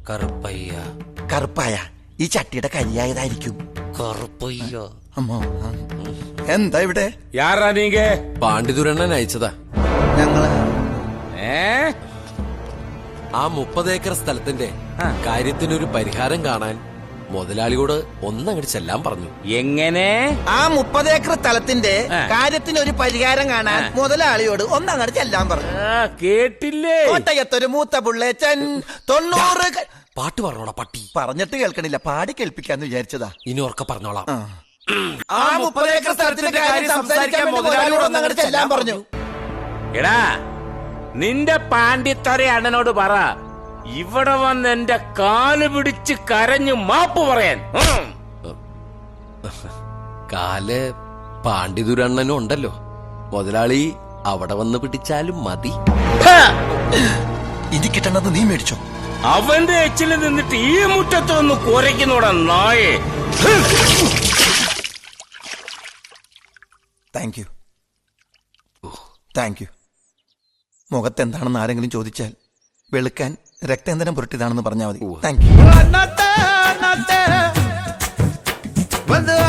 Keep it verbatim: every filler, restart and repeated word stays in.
കറുപ്പയ്യ. കറുപ്പായ ഈ ചട്ടിയുടെ കരിയായതായിരിക്കും. കറുപ്പയ്യ. അമ്മോ, എന്താ ഇവിടെ? യാറാ നീങ്ക? പാണ്ഡിതുരണ്ണൻ അയച്ചതാ. ഞങ്ങള് ആ മുപ്പത് ഏക്കർ സ്ഥലത്തിന്റെ കാര്യത്തിനൊരു പരിഹാരം കാണാൻ മുതലാളിയോട് ഒന്നങ്ങോട്ട് ചെല്ലാൻ പറഞ്ഞു. എങ്ങനെ? ആ മുപ്പത് ഏക്കർ സ്ഥലത്തിന്റെ കാര്യത്തിന് ഒരു പരിഹാരം കാണാൻ മുതലാളിയോട് ഒന്നങ്ങട് ചെല്ലാൻ പറഞ്ഞു. കേട്ടില്ലേ? കോട്ടയത്തൊരു മൂത്ത പുള്ളേച്ചൻ തൊണ്ണൂറ്. പാട്ട് പറഞ്ഞോളാ പട്ടി. പറഞ്ഞിട്ട് കേൾക്കണില്ല, പാടി കേൾപ്പിക്കാന്ന് വിചാരിച്ചതാ. ഇനി ഉറക്കെ പറഞ്ഞോളാം. ആ മുപ്പത് ഏക്കർ സ്ഥലത്തിന്റെ കാര്യം സംസാരിക്കാൻ മുതലാളിയോട് ഒന്നങ്ങട് ചെല്ലാൻ പറഞ്ഞു. എടാ, നിന്റെ പാണ്ഡിത്തറ അണ്ണനോട് പറ ഇവിടെ വന്ന് എന്റെ കാല് പിടിച്ച് കരഞ്ഞു മാപ്പ് പറയാൻ. കാല് പാണ്ഡിതുരണ്ണനും ഉണ്ടല്ലോ, മുതലാളി അവിടെ വന്ന് പിടിച്ചാലും മതി. ഇനി കിട്ടണത് നീ മേടിച്ചോ? അവന്റെ എച്ചിൽ നിന്നിട്ട് ഈ മുറ്റത്ത് വന്ന് കുരയ്ക്കുന്നോടാ നായേ. Thank you, thank you. മുഖത്ത് എന്താണെന്ന് ആരെങ്കിലും ചോദിച്ചാൽ വെളുക്കാൻ രക്തേന്ദ്രം പുരട്ടിയതാണെന്ന് പറഞ്ഞാൽ മതി. Thank U.